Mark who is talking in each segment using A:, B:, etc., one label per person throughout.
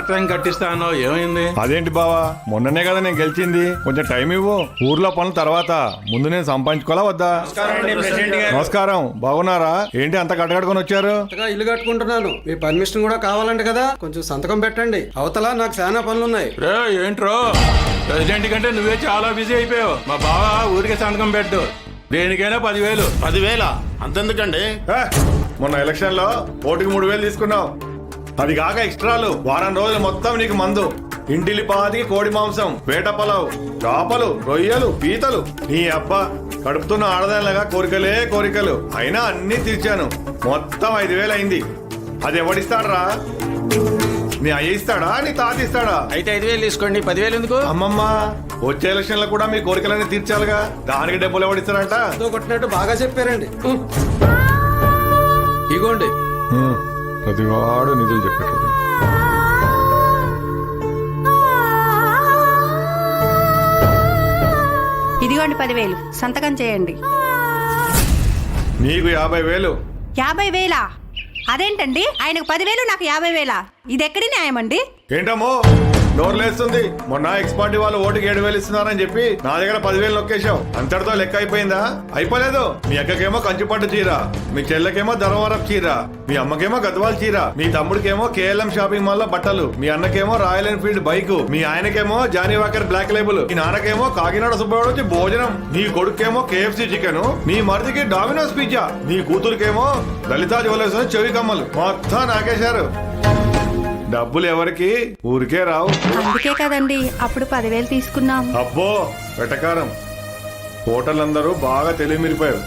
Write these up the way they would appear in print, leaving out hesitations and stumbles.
A: Water tank కట్టిస్తానో ఏమైంది?
B: అదేంటి బావా, మొన్ననే కదా నేను గెలిచింది, కొంచెం టైం ఇవ్వు. ఊర్లో పనుల తర్వాత ముందు నేను సంపాదించుకోవాలా వద్దా? నమస్కారం, బాగున్నారా? ఏంటి అంత కట్టకట్టుకొని వచ్చారు?
C: ఇల్లు కట్టుకుంటున్నాను, మీ పర్మిషన్ కూడా కావాలంట కదా, కొంచెం సంతకం పెట్టండి. అవతల నాకు చాలా పనులున్నాయి.
A: రే ఏంట్రో, ప్రెసిడెంట్ కంటే నువ్వే చాలా బిజీ అయిపోయావు. మా బావ ఊరికే సంతకం పెట్టు, దేనికైనా 10,000.
D: 10,000 అంతెందుకండి?
B: మొన్న ఎలక్షన్ లో ఓటుకి 3,000 తీసుకున్నావు. అది కాక ఎక్స్ట్రాలు వారం రోజులు మొత్తం నీకు మందు, ఇంటిలి పాది, కోడి మాంసం, వేట పొలావు, చేపలు, రొయ్యలు, పీతలు. నీ అబ్బా కడుపుతున్న ఆడదానిలాగా కోరికలే కోరికలు. అయినా అన్ని తీర్చాను. మొత్తం 5,000 అయింది. అది ఎవడిస్తాడరా? నీ అయ్య ఇస్తాడా, నీ తాత ఇస్తాడా?
A: అయితే 5,000 తీసుకోండి, 10,000 ఎందుకు?
B: అమ్మమ్మ, వచ్చే ఎలక్షన్ లో కూడా మీ కోరికలన్నీ తీర్చాలిగా, దానికి డబ్బులు ఎవడిస్తారంట?
C: కొట్టినట్టు బాగా చెప్పారండి. ఇగోండి.
B: ప్రతివాడు నిధులు చెప్పేటోడు.
E: ఇదిగోండి 10,000 సంతకం చేయండి.
B: నీకు 50,000.
E: 50,000? అదేంటండి, ఆయనకు 10,000 నాకు 50,000? ఇది ఎక్కడి న్యాయం అండి?
B: ఏంటమ్మో నోర్లేస్తుంది? మొన్న ఎక్స్పార్టీ వాళ్ళు ఓటుకి 7,000 ఇస్తున్నారని చెప్పి నా దగ్గర 10,000 నొక్కేశావు. అంతటితో లెక్క అయిపోయిందా? అయిపోలేదు. మీ అక్కకేమో కంచిపట్టు చీర, మీ చెల్లెకేమో ధర్మవరం చీర, మీ అమ్మకేమో గద్వాల చీర, మీ తమ్ముడికేమో KLM షాపింగ్ మాల్ లో బట్టలు, మీ అన్నకేమో రాయల్ ఎన్ఫీల్డ్ బైక్, మీ ఆయనకేమో జానీ వాకర్ బ్లాక్ లేబుల్, మీ నాన్నకేమో కాకినాడ సుబ్బయ్య వచ్చి భోజనం, నీ కొడుకేమో KFC చికెన్, నీ మరిదికి డామినోస్ పిజ్జా, నీ కూతురికేమో లలితా జ్యువెలర్స్ చెవి కమ్మలు. మొత్తం నాకేశారు. డబ్బులు ఎవరికి? ఊరికే రావు.
E: అందుకే కదండి అప్పుడు 10,000 తీసుకున్నాం.
B: అబ్బో వెటకారం. ఓటర్లందరూ బాగా తెలివిమిరిపోయారు.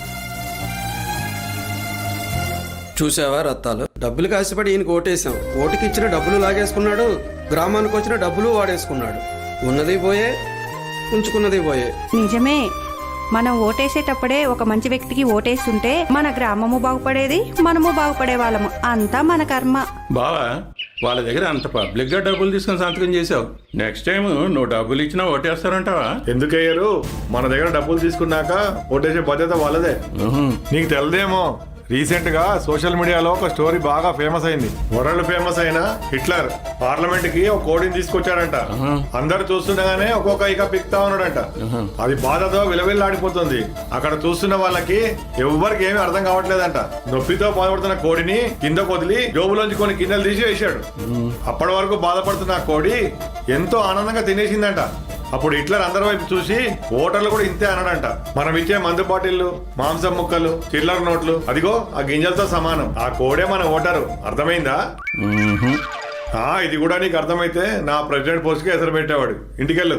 C: చూసావా రత్తాలు, డబ్బులు కాసిపడి ఈయనకి ఓటేసాం. ఓటుకి ఇచ్చిన డబ్బులు లాగేసుకున్నాడు, గ్రామానికి వచ్చిన డబ్బులు వాడేసుకున్నాడు. ఉన్నది పోయే, ఉంచుకున్నది పోయే.
E: నిజమే, మనం ఓటేసేటప్పుడే ఒక మంచి వ్యక్తికి ఓటేస్తుంటే మన గ్రామము బాగుపడేది, మనము బాగుపడే వాళ్ళము. అంతా మన కర్మ.
A: బావా, వాళ్ళ దగ్గర అంత పబ్లిక్ గా డబ్బులు తీసుకుని సంతకం చేసావు. నెక్స్ట్ టైం నువ్వు డబ్బులు ఇచ్చినా ఓటేస్తారంటావా?
B: ఎందుకయ్యారు? మన దగ్గర డబ్బులు తీసుకున్నాక ఓటేసే బాధ్యత వాళ్ళదే. నీకు తెలదేమో, రీసెంట్ గా సోషల్ మీడియాలో ఒక స్టోరీ బాగా ఫేమస్ అయింది. వరల్డ్ ఫేమస్ అయిన హిట్లర్ పార్లమెంట్ కి ఒక కోడిని తీసుకొచ్చాడంట. అందరు చూస్తుండగానే ఒక్కొక్క ఇక పిక్తా ఉన్నాడంట. అది బాధతో విలవిల్లాడిపోతుంది. అక్కడ చూస్తున్న వాళ్ళకి ఎవ్వరికి ఏమీ అర్థం కావట్లేదంట. నొప్పితో బాధపడుతున్న కోడిని కింద వదిలి జోబులోంచి కొన్ని గిన్నెలు తీసి వేశాడు. అప్పటి వరకు బాధపడుతున్న ఆ కోడి ఎంతో ఆనందంగా తినేసిందంట. అప్పుడు హిట్లర్ అందరి వైపు చూసి ఓటర్లు కూడా ఇంతే అన్నాడంట. మనం ఇచ్చే మందు బాటిళ్లు, మాంసం ముక్కలు, చిల్లర నోట్లు అదిగో ఆ గింజలతో సమానం. ఆ కోడే మన ఓటరు. అర్థమైందా? ఇది కూడా నీకు అర్థమైతే నా ప్రెసిడెంట్ పోస్ట్ కి ఎసరు పెట్టేవాడు. ఇంటికెళ్ళు.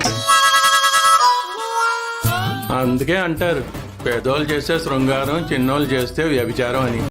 A: అందుకే అంటారు, పెద్దోళ్ళు చేస్తే శృంగారం, చిన్నోళ్ళు చేస్తే వ్యభిచారం అని.